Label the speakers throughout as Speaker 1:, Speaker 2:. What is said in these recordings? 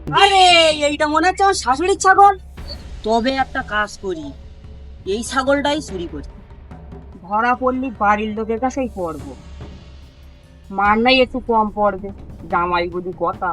Speaker 1: আরে এইটা মনে হচ্ছে আমার শাশুড়ির ছাগল। তবে একটা কাজ করি, এই ছাগলটাই চুরি করি, ধরা পড়লি বাড়ির লোকের কাছেই পড়বো, মার নাই একটু কম পড়বে, জামাই বুঝি কথা।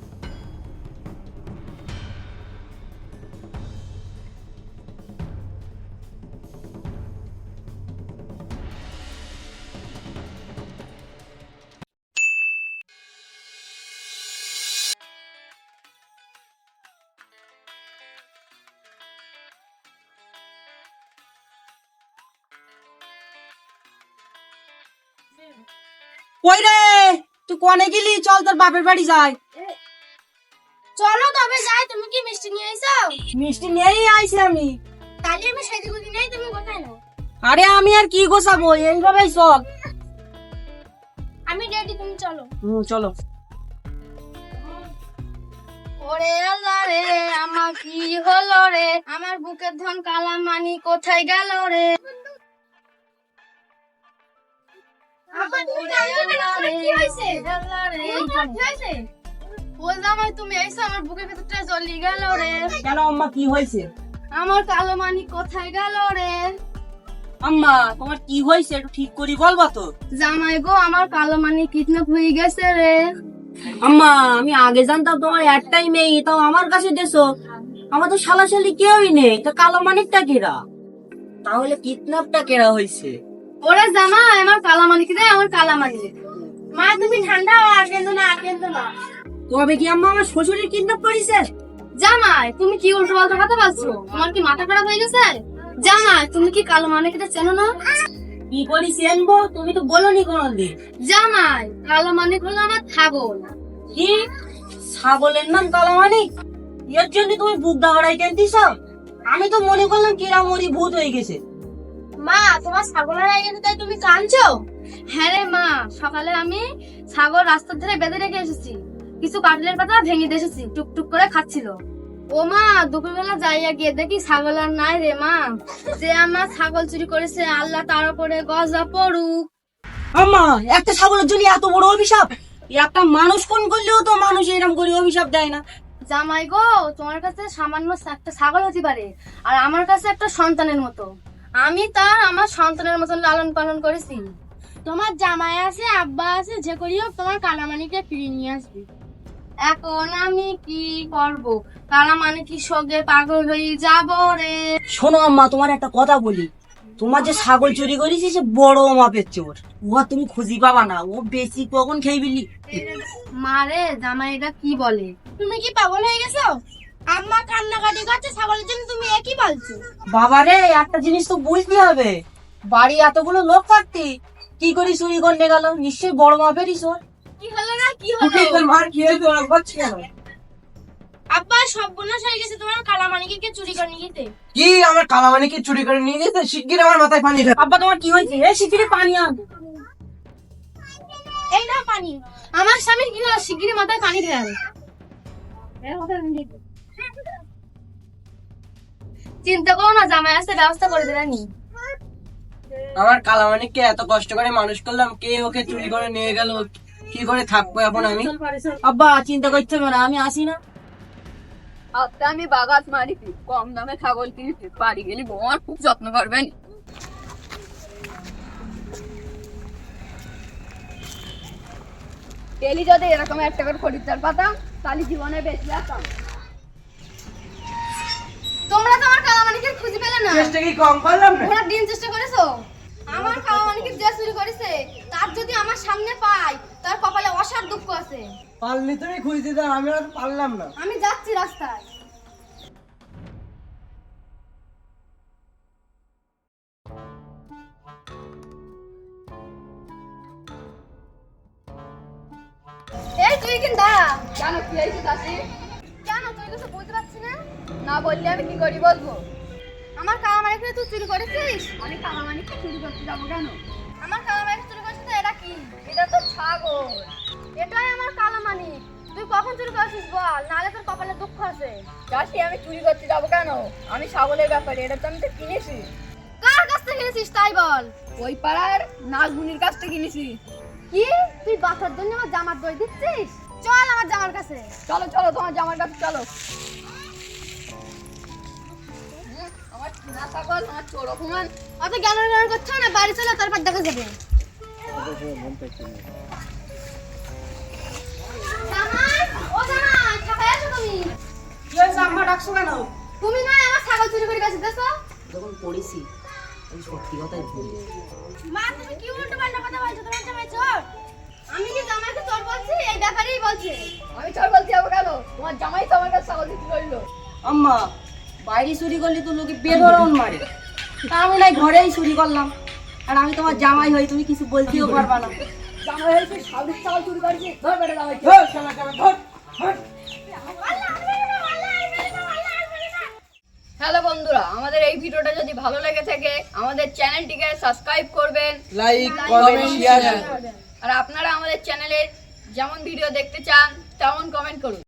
Speaker 1: কই রে, তুই কনে গেলি? চল তোর বাপের বাড়ি যাই।
Speaker 2: চলো তবে যাই। তুমি কি মিষ্টি নিয়ে আইছো?
Speaker 1: মিষ্টি নিয়েই আইছি আমি।
Speaker 2: তাহলে আমি সেদিকে গুলি নেই, তুমি কোথায় নাও?
Speaker 1: আরে আমি আর কি গোছাবো, এইভাবেই চল।
Speaker 2: আমি রেডি, তুমি চলো।
Speaker 1: চলো।
Speaker 2: ওরে আল্লাহ রে, আমার কি হলো রে? আমার বুকের ধন কালা মানি কোথায় গেল রে? তুমি এসে আমার বুকের ভেতরটা জ্বলি গেল রে।
Speaker 1: কেন আম্মা, কি হয়েছে?
Speaker 2: আমার কালো মানি কোথায় গেল রে?
Speaker 1: আম্মা তোমার কি হয়েছে একটু ঠিক করি বলবা তো।
Speaker 2: জামাই গো, আমার কালো মানি কিডন্যাপ হয়ে গেছে রে।
Speaker 1: আম্মা আমি আগে জানতাম তোমার একটাই মেয়ে, তাও আমার কাছে দেছো। আমার তো শালাশালি কেউই নেই, তা কালো মানিকটা কেরা? তাহলে কিডন্যাপটা কেরা হয়েছে?
Speaker 2: ওরে জামাই, আমার কালা মানি কি রে? আমার কালা মানি। মা তুমি ঠান্ডা হও, আর কেঁদো না, আর কেঁদো না।
Speaker 1: তবে কি আম্মা আমার শ্বশুরের কিডন্যাপ করেছে?
Speaker 2: জামাই তুমি কি উল্টো পাল্টা কথা বলছো? আমার কি মাথা খারাপ হয়ে গেছে? জামাই তুমি কি কালো মানিকটা চেনো না?
Speaker 1: কি করি চেনবো, তুমি তো বলোনি কোনোদিন।
Speaker 2: জামাই কালো মানিক হলো আমার ছাগল।
Speaker 1: কি ছাগলের নাম কালো মানিক? এর জন্য তুমি বুক দাওয়াই কেনতিস? আমি তো মনে করলাম কিরামরি ভূত হয়ে গেছে।
Speaker 2: মা তোমার ছাগলের আগে তাই তুমি কাঁদছো? হ্যাঁ রে মা, সকালে আমি ছাগল রাস্তার ধারে বেঁধে রেখে এসেছি, কিছু কাটলের পাতা ভেঙে দিয়ে এসেছি, টুকটুক করে খাচ্ছিল। ও মা, দুপুরবেলা যাইয়া গিয়ে দেখি ছাগল আর নাই রে মা। যে আমার ছাগল চুরি করেছে, আল্লাহ তার উপরে গজা পড়ুক।
Speaker 1: আম্মা একটা ছাগলের জন্য এত বড় অভিশাপ? একটা মানুষ কোন করলেও তো মানুষ এরকম করে অভিশাপ দেয় না।
Speaker 2: জামাই গো, তোমার কাছে সামান্য একটা ছাগল হতে পারে, আর আমার কাছে একটা সন্তানের মতো। আমি তার আমার সন্তানের মতন লালন পালন করেছি। তোমার জামাই আছে, আব্বা আছে, যে করিও তোমার কালামানিকে ফিরিয়ে নিয়ে আসবে। এখন আমি কি করব? কালামানিকের সঙ্গে পাগল হয়ে যাব রে।
Speaker 1: শোনো আম্মা, তোমার একটা কথা বলি, তোমার যে ছাগল চুরি করেছি সে বড় মাপের চোর, ও আর তুমি খুঁজি পাবা না, ও বেশি কখন খেয়ে বিলি।
Speaker 2: মারে জামাই এটা কি বলে? তুমি কি পাগল হয়ে গেছো? আম্মা কান্নাকাটি করছে ছাগলের জন্য, তুমি একই বলছো?
Speaker 1: বাবা রে, একটা জিনিস তো বুঝতে হবে, বাড়ি এতগুলো লোক থাকতে কি করে চুরি করতে গেল? নিশ্চয়ই বড় মাপেরই চোর।
Speaker 2: কি হলো না, কি হলো?
Speaker 1: মার খেয়ে তোরা করছি কেন?
Speaker 2: আব্বা সর্বনাশ হয়ে গেছে, তোমার কালামানিকে কে চুরি করে নিয়ে গেছে।
Speaker 3: কি আমার কালামানিকে চুরি করে নিয়ে গেছে? শিগগির আমার মাথায় পানি ঢাল।
Speaker 1: আব্বা তোমার কি হয়েছে? এ শিগগিরই পানি আন।
Speaker 2: এই না পানি। আমার স্বামীর কি হলো? শিগগিরই মাথায় পানি ঢেল। চিন্তা করো না, জামাই আসতে ব্যবস্থা করে দেবেনি।
Speaker 3: আমার কালামানিককে এত কষ্ট করে মানুষ করলাম, কে ওকে চুরি করে নিয়ে গেল? কি করে থাকবো এখন আমি?
Speaker 1: আব্বা চিন্তা করতে হবে না, আমি আসি না।
Speaker 4: আজকে আমি বাগাত মারি, কম দামে ছাগল কিনেছি, বাড়ি গেলি বৌমার খুব যত্ন করবেন। ডেলি যদি এরকম একটা করে খরিদ্দার পাতাম, তাহলে জীবনে বেঁচে যেতাম।
Speaker 2: তোমরা তো আমার কালামানিকে খুঁজে পেলে না।
Speaker 3: চেষ্টা কি কম করলাম না?
Speaker 2: ঘোড়ার ডিম চেষ্টা করেছো? আমার কালামানিকে যে চুরি করেছে, তার যদি আমার সামনে পাই, তার কপালে অসার দুঃখ আছে।
Speaker 3: পারলি তুমি খুঁজতে দাও, আমি আর পারলাম না।
Speaker 2: আমি যাচ্ছি রাস্তায়। এই তুই কিন্তু দাঁড়া।
Speaker 4: কেন, কি হয়েছে চাষি?
Speaker 2: কেন তুই কিছু বুঝতে পারছি না?
Speaker 4: না বললে আমি কি করি বলবো?
Speaker 2: আমার কালামানিকে তুই চুরি করেছিস?
Speaker 4: আমি কালামানিককে চুরি করতে যাবো কেন?
Speaker 2: আমার কালামানিকে চুরি করেছিস তো এটা কি?
Speaker 4: এটা তো ছাগল।
Speaker 2: এটাই আমার কালামানিক। তুই কখন চুরি করেছিস বল, নাহলে তোর কপালে দুঃখ আছে।
Speaker 4: চাষি আমি চুরি করতে যাবো কেন? আমি ছাগলের ব্যাপারে, এটা তো আমি তো কিনেছি।
Speaker 2: কার কাছ থেকে কিনেছিস তাই বল।
Speaker 4: ওই পাড়ার নাগমুনির কাছ থেকে কিনেছি।
Speaker 2: কি তুই বাচ্চার জন্য আমার জামার দই দিচ্ছিস? চল আমার আমার জামার কাছে।
Speaker 4: চলো চলো তোমার জামার কাছে চলো। আমার কিনা ছাগল, আমার চোর অপমান।
Speaker 2: অত জ্ঞান করছো না, বাড়ি চলে তারপর দেখা যাবে। জামাই, ও জামাই, কোথায় আছো তুমি?
Speaker 1: কি হয়েছে আম্মা, ডাকছো কেন?
Speaker 2: তুমি না আমার ছাগল চুরি করে গেছো দেখো?
Speaker 1: যখন পড়েছি আমি সত্যি কথাই বলি।
Speaker 2: মা তুমি কি উল্টো পাল্টা কথা বলছো? তোমার জামাই চোর? আমি কি জামাইকে চোর বলছি? এই ব্যাপারেই বলছে।
Speaker 4: আমি চোর বলতে যাবো কেন? তোমার জামাই তো আমার কাছে ছাগল বিক্রি করলো।
Speaker 1: আম্মা, বাইরে চুরি করলে তো লোকে বেধরন মারে, তা আমি নাই ঘরেই চুরি করলাম। আর আমি তোমার জামাই হই, তুমি কিছু বলতেও পারবা না।
Speaker 4: জামাই হয়েছে সাউরির ছাগল চুরি করেছে, ধর বেটা জামাই। হ্যালো বন্ধুরা, আমাদের এই ভিডিওটা যদি ভালো লেগে থাকে আমাদের চ্যানেলটিকে সাবস্ক্রাইব করবেন,
Speaker 3: লাইক কমেন্ট শেয়ার
Speaker 4: আর আপনারা আমাদের চ্যানেলের যেমন ভিডিও দেখতে চান তেমন কমেন্ট করুন।